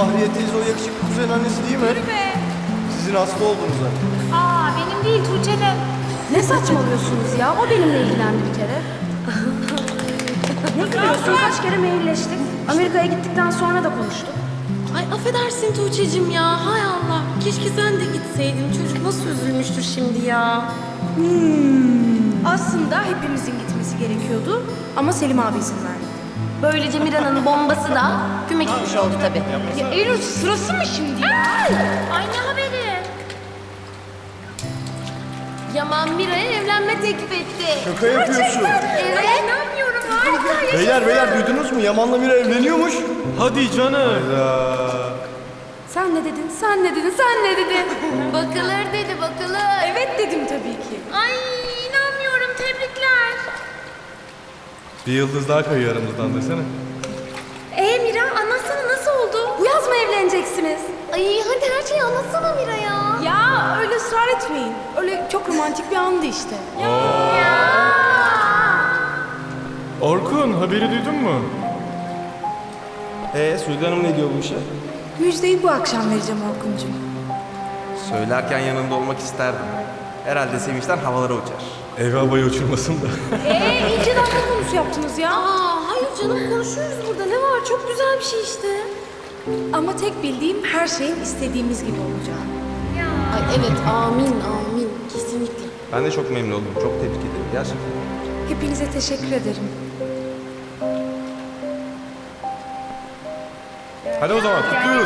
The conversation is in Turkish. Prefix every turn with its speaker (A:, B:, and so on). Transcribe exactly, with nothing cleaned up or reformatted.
A: Bahriye teyze o yakışıklı kuzenin annesi değil mi?
B: Yürü be.
A: Sizin hasta olduğunuza.
B: Aa benim değil Tuğçe'nin.
C: Ne saçmalıyorsunuz ya? O benimle ilgilendi bir kere. Ne gülüyorsun? Kaç kere mailleştik. Amerika'ya gittikten sonra da konuştuk.
D: Ay affedersin Tuğçe'cim ya. Hay Allah. Keşke sen de gitseydin. Çocuk nasıl üzülmüştür şimdi ya.
C: Aslında hepimizin gitmesi gerekiyordu ama Selim abi izin verdi.
D: Böylece Mira'nın bombası da küme gitmiş oldu tabii.
C: Ya Eylül sırası mı şimdi ya?
D: Ay ne haberi? Yaman Mira'ya evlenme teklif etti.
A: Şaka yapıyorsun.
D: Evet. İnanmıyorum harika.
A: Beyler beyler duydunuz mu? Yaman'la Mira evleniyormuş.
E: Hadi canım.
C: Sen ne dedin? Sen ne dedin? Sen ne dedin?
D: Bakılır dedi bakılır.
C: Evet dedim tabii ki.
D: Ay inanmıyorum tebrikler.
E: Bir yıldız daha kayıyor aramızdan desene.
D: Ee Mira anlatsana nasıl oldu?
C: Bu yaz mı evleneceksiniz?
D: Ay hadi her şeyi anlatsana Mira ya.
C: Ya öyle ısrar etmeyin. Öyle çok romantik bir andı işte.
E: Orkun haberi duydun mu?
A: Ee Suudi Hanım ne diyor bu işe?
C: Müjdeyi bu akşam vereceğim Orkuncuğum.
F: Söylerken yanında olmak isterdim. Herhalde sevinçten havalara uçar.
E: Ev havayı uçurmasın da.
C: Ee iyice dakika konusu yaptınız ya.
D: Aa hayır canım konuşuyoruz burada ne var çok güzel bir şey işte.
C: Ama tek bildiğim her şeyin istediğimiz gibi olacak.
D: Ay evet amin amin kesinlikle.
F: Ben de çok memnun oldum. Çok tebrik ederim gerçekten.
C: Hepinize teşekkür ederim.
E: Hadi o zaman kutluyoruz.